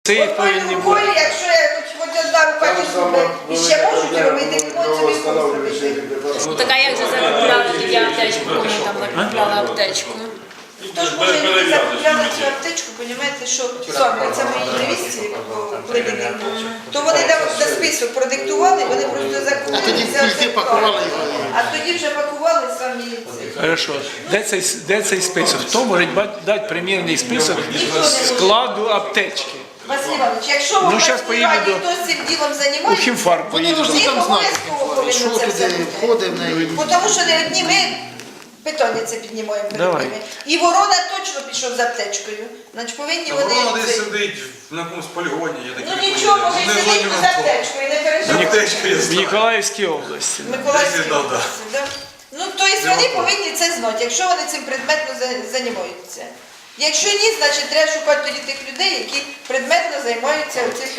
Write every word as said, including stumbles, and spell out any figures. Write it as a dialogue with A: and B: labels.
A: Це
B: От
A: повинні
B: рукою,
A: бути.
B: якщо я хоч одна рука ті зуби і ще можуть робити, то це не зробити.
C: Ну так а як же закупляли тоді аптечку, коли там закупляли аптечку?
B: Хто ж може не закупляли цю аптечку, розумієте, що саме це моїй невістці, Лидині, то вони до список продиктували, вони просто закупили.
D: А тоді тільки пакували його.
B: А тоді вже пакували самі це.
A: Хорошо. Де цей, де цей список? Хто може ба- дати примірний список складу аптечки?
B: Василь Іванович, якщо ви
A: Ну, щас поїду
B: раді,
A: до-
B: хто з цим ділом
A: У
B: займається,
A: хімфарм поїду.
D: Вони ж
B: їх
D: там знають,
B: обов'язково повинно
D: що
B: це все
D: туди
B: бути.
D: входить в неї.
B: Бо тому що не одні ми питання це піднімаємо перед
A: Давай.
B: ними. І Ворона точно пішов з аптечкою. Значить повинні
E: Воно
B: вони...
E: десь
B: це-
E: сидить на якомусь полігоні, я такий
B: Ну нічого, може
E: не
B: сидить
E: злодій
B: з
E: на
B: аптечкою, не переживайте.
E: аптечку я
A: В
E: знаю.
A: Ніколаївській області.
B: Миколаївській
E: Десь, да, да.
B: області, да? Ну, тобто вони повинні це знати, якщо вони цим предметно за- займаються. Якщо ні, значить треба шукати тоді тих людей, які предметно займаються цим.